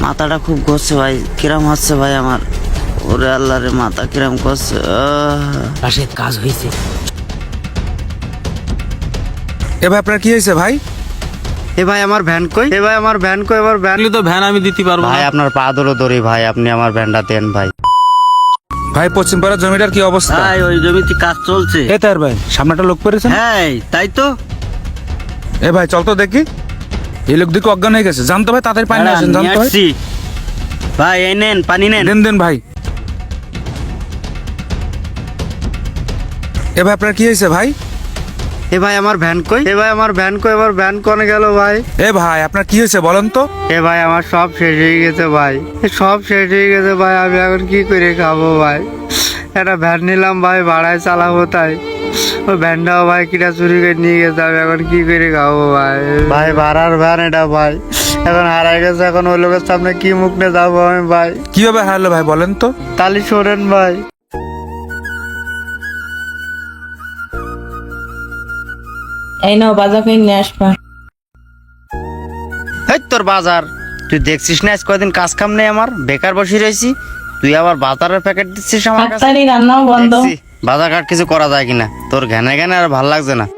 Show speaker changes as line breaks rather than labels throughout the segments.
মাথাটা খুব ঘুরছে ভাই, কিরম হচ্ছে ভাই আমার। ওরে আল্লাহ রে, মাথা কিরম করছে।
রাশেদ কাজ হয়েছে।
এবার আপনার কি হয়েছে ভাই?
এ ভাই আমার ভ্যান কই? এ ভাই আমার ভ্যান কই? আমার ভ্যান
তো ভ্যান আমি দিতে পারবো
ভাই,
না।
আপনার পা ধরো দড়ি ভাই, আপনি আমার ভ্যানটা দেন ভাই।
ভাই পশ্চিম পাড়ার জমিটার কি অবস্থা?
ভাই ওই জমিতে কাজ চলছে।
এ তার ভাই সামনেটা লোক পেরেছেন?
হ্যাঁ তাই তো।
এ ভাই চল তো দেখি, এই লোক দিকে অজ্ঞান হয়ে গেছে। জানতো ভাই তাড়াতাড়ি পানি নিয়ে আসেন,
নিয়ে
জানতো ভাই।
আসছি। ভাই এই নেন পানি নেন।
দেন দেন ভাই। এ ভাই আপনার কি হয়েছে ভাই?
এ ভাই আমার ভ্যান কই? এ ভাই আমার ভ্যান কই? আমার ভ্যান কোনে গেল ভাই?
এ ভাই আপনার কি হয়েছে বলেন তো?
এ ভাই আমার সব শেষ হয়ে গেছে ভাই, সব শেষ হয়ে গেছে ভাই। আমি এখন কি করে খাবো ভাই? একটা ভ্যান নিলাম ভাই, ভাড়ায় চালাবো, তাই ওই ভ্যানটাও ভাই কিটা চুরি করে নিয়ে গেছে। আমি এখন কি করে খাবো ভাই? ভাই ভাড়ার ভ্যান এটা ভাই, এখন হারাই গেছে। এখন ওই লোকের সামনে কি মুখ নিয়ে যাবো আমি ভাই?
কিভাবে হারলো ভাই বলেন তো?
তালি শোনেন ভাই।
এই নাও বাজার করে নিয়ে আসবা।
এই তোর বাজার, তুই দেখছিস না আজ কয়দিন কাজ কাম নেই, আমার বেকার বসে রয়েছি। তুই আবার বাজারের প্যাকেট দিচ্ছিস আমার কাছে।
তাড়াতাড়ি রান্নাও বন্ধ।
দেখছি, বাজার ঘাট কিছু করা যায় কিনা। তোর ঘ্যানে ঘ্যানে আর ভাল লাগছে না।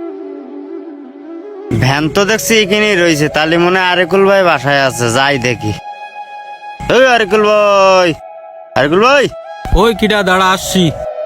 ভ্যান তো দেখছি এখানেই রয়েছে, তাহলে মনে হয় আরেকুল ভাই বাসায় আছে, যাই দেখি। ওই আরেকুল ভাই, আরেকুল ভাই।
ওই কিটা দাঁড়া, আসছি।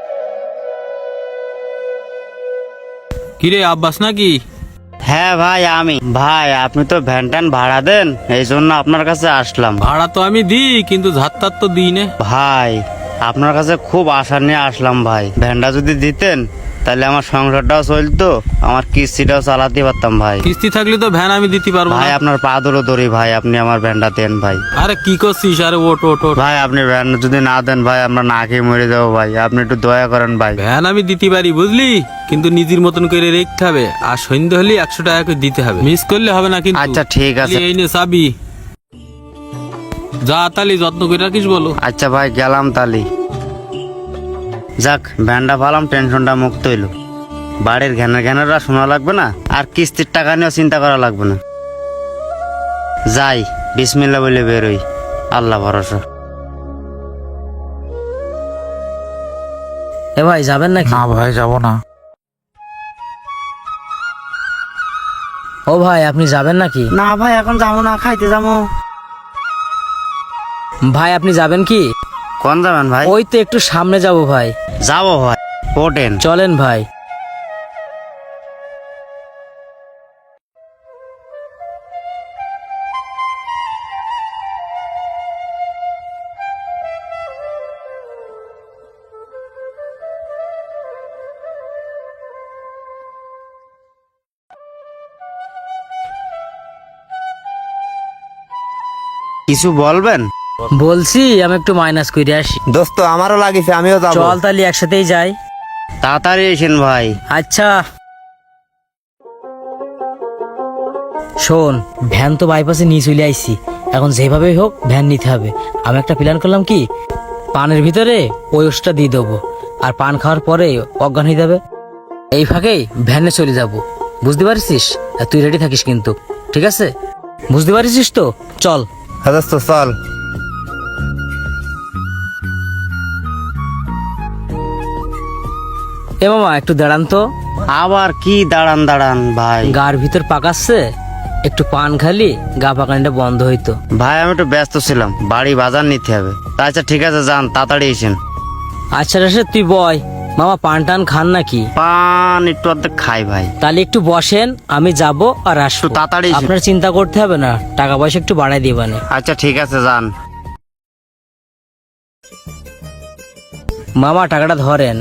কিরে আব্বাস নাকি?
হ্যাঁ ভাই আমি। ভাই আপনি তো ভ্যান ট্যান ভাড়া দেন, এই জন্য আপনার কাছে আসলাম।
ভাড়া তো আমি দিই, কিন্তু ধাত্তার তো দিই না।
ভাই আপনার কাছে খুব আশা নিয়ে আসলাম ভাই। ভ্যানটা যদি দিতেন তাহলে আমার সংসারটাও চলতো, আমার কিস্তিটাও চালাতে পারতাম ভাই।
কিস্তি থাকলে তো ভ্যান আমি দিতে পারবো
ভাই
না।
আপনার পা ধরো দড়ি ভাই, আপনি আমার ভ্যানটা দেন ভাই।
আরে কি করছিস? আরে ওট ওট ওট।
ভাই আপনি ভ্যান যদি না দেন ভাই, আমরা না খেয়ে মরে যাবো ভাই। আপনি একটু দয়া করেন ভাই।
ভ্যান আমি দিতে পারি বুঝলি, কিন্তু নিজের মতন করে রেখতে হবে। আর সন্ধ্যে হলে 100 টাকা করে দিতে হবে, মিস করলে হবে না কিন্তু।
আচ্ছা ঠিক আছে।
এই নে চাবি, যা তালি যত্ন করে রাখিস বলো।
আচ্ছা ভাই গেলাম তালি। যাক ভ্যানটা পালাম, টেনশনটা মুক্ত হইলো। বাড়ির ঘ্যানেরা শোনা লাগবে না, আর কিস্তির টাকা নিয়েও চিন্তা করা লাগবে না। যাই বিসমিল্লাহ বলে বেরোই, আল্লাহ ভরসা।
এ ভাই যাবেন নাকি?
না ভাই যাবো না।
ও ভাই আপনি যাবেন নাকি?
না ভাই এখন যাবো না, খাইতে যাবো।
ভাই আপনি যাবেন কি?
কোন যাবেন ভাই?
ওই তো একটু সামনে যাব ভাই।
যাবো ভাই, ওঠেন।
চলেন ভাই।
কিছু বলবেন?
বলছি আমি একটু মাইনাস করে আসি।
দোস্ত আমারও লাগিছে, আমিও যাবো।
চল তাহলে একসাথেই যাই।
তাড়াতাড়ি এসেন ভাই।
আচ্ছা শোন, ভ্যান তো বাইপাসে নিয়ে চলে আইছি, এখন যেভাবেই হোক ভ্যান নিতে হবে। আমি একটা প্ল্যান করলাম কি, পানের ভিতরে ওই ওষুধটা দিয়ে দেবো, আর পান খাওয়ার পরে অজ্ঞান হয়ে যাবে। এই ফাঁকেই ভ্যানে চলে যাব, বুঝতে পারছিস? আর তুই রেডি থাকিস কিন্তু, ঠিক আছে? বুঝতে পারছিস তো? চল।
হ্যাঁ দোস্ত চল।
এ মামা একটু দাঁড়ান তো।
আবার কি দাঁড়ান দাঁড়ান ভাই?
গার ভিতর পাকাচ্ছে, একটু পান খালি গা পাকানিটা বন্ধ হইতো।
ভাই আমি একটু ব্যস্ত ছিলাম, বাড়ি বাজার নিতে হবে। আচ্ছা ঠিক আছে যান, তাড়াতাড়ি এসেন।
আচ্ছা রাশেদ তুই বয়, মামা পান টান খান নাকি?
পান একটু অর্ধেক খাই ভাই।
তাহলে একটু বসেন, আমি যাব আর আসবো।
একটু তাড়াতাড়ি এসো।
আপনার চিন্তা করতে হবে না, টাকা পয়সা একটু বাড়াই দিবানে।
আচ্ছা ঠিক আছে যান।
মামা টাকাটা ধরেন।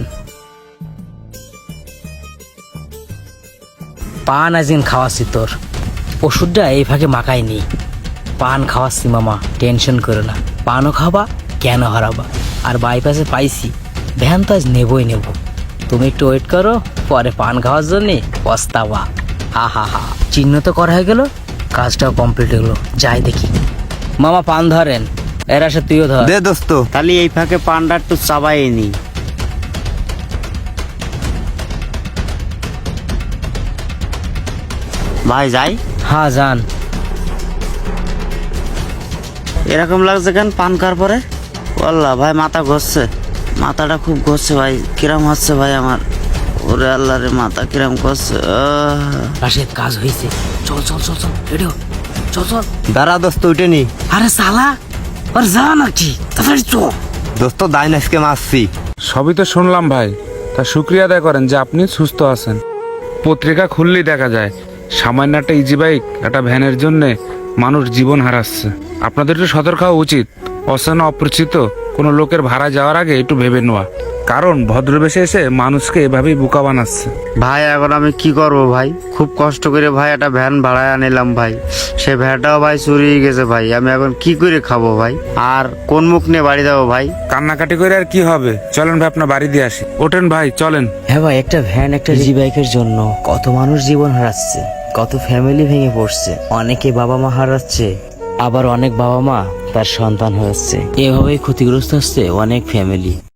পান আজদিন খাওয়াচ্ছি তোর, ওষুধটা এই ফাঁকে মাখাইনি। পান খাওয়াচ্ছি মামা, টেনশন করো না। পানও খাবা, কেন হারাবা। আর বাইপাসে পাইছি, ভ্যান তো আজ নেবই নেব। তুমি একটু ওয়েট করো, পরে পান খাওয়ার জন্যে পস্তাবা। হা হা হা, চিহ্ন তো করা হয়ে গেল, কাজটাও কমপ্লিট হলো। যাই দেখি। মামা পান ধরেন, এর আসে তুইও ধর।
দে দোস্ত, তাহলে এই ফাঁকে পানটা একটু চাবাই নি। ভাই যাই।
হ্যাঁ যান।
এরকম লাগছে কেন পান খাওয়ার পরে? আল্লাহ ভাই মাথা ঘষছে, মাথাটা খুব ঘষছে ভাই, কিরম হচ্ছে ভাই আমার। ওরে আল্লাহ রে, মাথা কিরম করছে।
রাশেদ কাজ হয়েছে, চল চল চল চল রেডিও, চল চল।
দাঁড়া দোস্ত উঠে নি।
আরে সালা আর যা নাকি তাড়াতাড়ি চল।
দোস্ত দাইন আজকে মারছি।
সবই তো শুনলাম ভাই, তা শুক্রিয়া আদায় করেন যে আপনি সুস্থ আছেন। পত্রিকা খুললেই দেখা যায় সামান্য একটা ইজি বাইক একটা ভ্যানের জন্য মানুষ জীবন হারাচ্ছে। আপনাদের একটু সতর্ক হওয়া উচিত। অচেনা অপরিচিত কোনো লোকের ভাড়া যাওয়ার আগে একটু ভেবে নেওয়া, কারণ ভদ্রবেশে এসে মানুষকে এভাবেই বোকা বানাচ্ছে।
ভাই এখন আমি কি করব ভাই? খুব কষ্ট করে ভাই একটা ভ্যান ভাড়ায় আনিলাম ভাই, সে ভ্যানটাও ভাই চুরি হয়ে গেছে ভাই। আমি এখন কি করে খাবো ভাই? আর কোন মুখ নিয়ে বাড়ি যাবো ভাই?
কান্নাকাটি করে আর কি হবে, চলেন ভাই আপনার বাড়ি দিয়ে আসি। ওঠেন ভাই চলেন।
হ্যাঁ ভাই, একটা ভ্যান একটা ইজি বাইকের জন্য কত মানুষ জীবন হারাচ্ছে, কত ফ্যামিলি ভেঙে পড়ছে, অনেকে বাবা মা হারাচ্ছে, আবার অনেক বাবা মা তার সন্তান হচ্ছে। এভাবেই ক্ষতিগ্রস্ত হচ্ছে অনেক ফ্যামিলি।